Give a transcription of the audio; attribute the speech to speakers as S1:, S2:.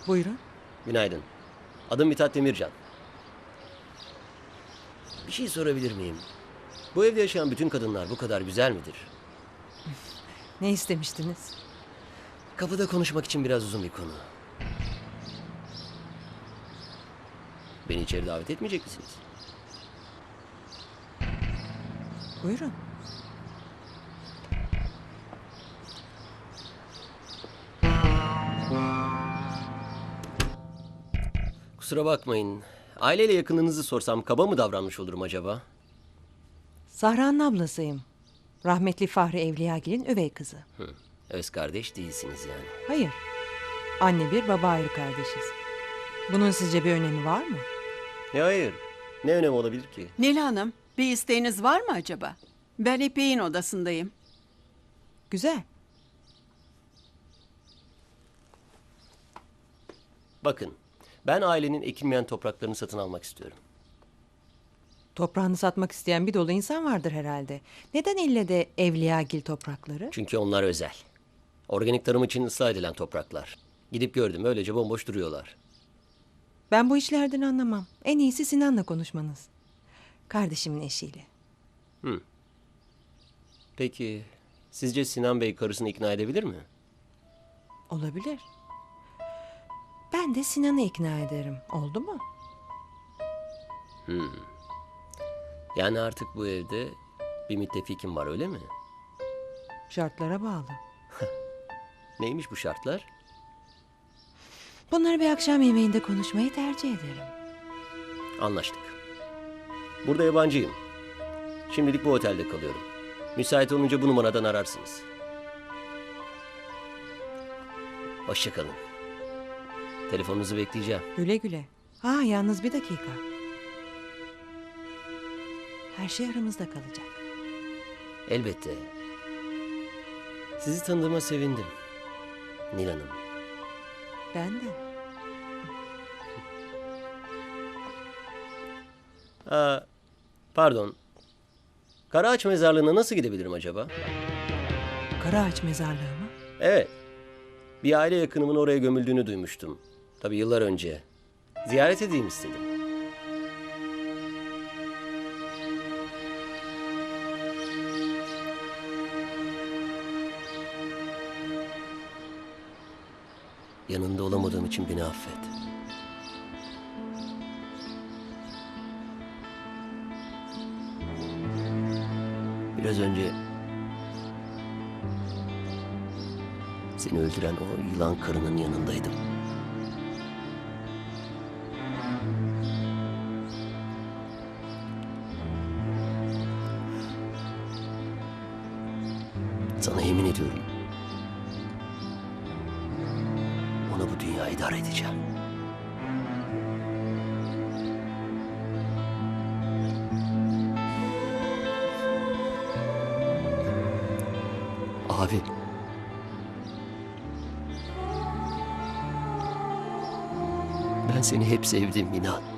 S1: Buyurun.
S2: Günaydın. Adım Mithat Demircan. Bir şey sorabilir miyim? Bu evde yaşayan bütün kadınlar bu kadar güzel midir?
S1: Ne istemiştiniz?
S2: Kapıda konuşmak için biraz uzun bir konu. Beni içeri davet etmeyecek misiniz?
S1: Buyurun.
S2: Kusura bakmayın. Aileyle yakınınızı sorsam kaba mı davranmış olurum acaba?
S1: Zahra'nın ablasıyım. Rahmetli Fahri Evliyagil'in üvey kızı.
S2: Öz kardeş değilsiniz yani.
S1: Hayır. Anne bir baba ayrı kardeşiz. Bunun sizce bir önemi var mı?
S2: Ya hayır. Ne önemi olabilir ki?
S3: Nil Hanım, bir isteğiniz var mı acaba? Ben İpek'in odasındayım.
S1: Güzel.
S2: Bakın, ben ailenin ekilmeyen topraklarını satın almak istiyorum.
S1: Toprağını satmak isteyen bir dolu insan vardır herhalde. Neden ille de Evliyagil toprakları?
S2: Çünkü onlar özel. Organik tarım için ıslah edilen topraklar. Gidip gördüm, öylece bomboş duruyorlar.
S1: Ben bu işlerden anlamam. En iyisi Sinan'la konuşmanız. Kardeşimin eşiyle.
S2: Peki, sizce Sinan Bey karısını ikna edebilir mi?
S1: Olabilir. Ben de Sinan'ı ikna ederim. Oldu mu?
S2: Yani artık bu evde bir müttefikim var, öyle mi?
S1: Şartlara bağlı.
S2: Neymiş bu şartlar?
S1: Bunları bir akşam yemeğinde konuşmayı tercih ederim.
S2: Anlaştık. Burada yabancıyım. Şimdilik bu otelde kalıyorum. Müsait olunca bu numaradan ararsınız. Hoşça kalın. Telefonunuzu bekleyeceğim.
S1: Güle güle. Ha, yalnız bir dakika. Her şey aramızda kalacak.
S2: Elbette. Sizi tanıdığıma sevindim. Nil Hanım.
S1: Ben de.
S2: Pardon. Karaağaç mezarlığına nasıl gidebilirim acaba?
S1: Karaağaç mezarlığı mı?
S2: Evet. Bir aile yakınımın oraya gömüldüğünü duymuştum. Tabii yıllar önce. Ziyaret edeyim istedim. Yanında olamadığım için beni affet. Biraz önce seni öldüren o yılan karının yanındaydım. Sana yemin ediyorum. Ona bu dünyayı idare edeceğim. Abi. Ben seni hep sevdim inan.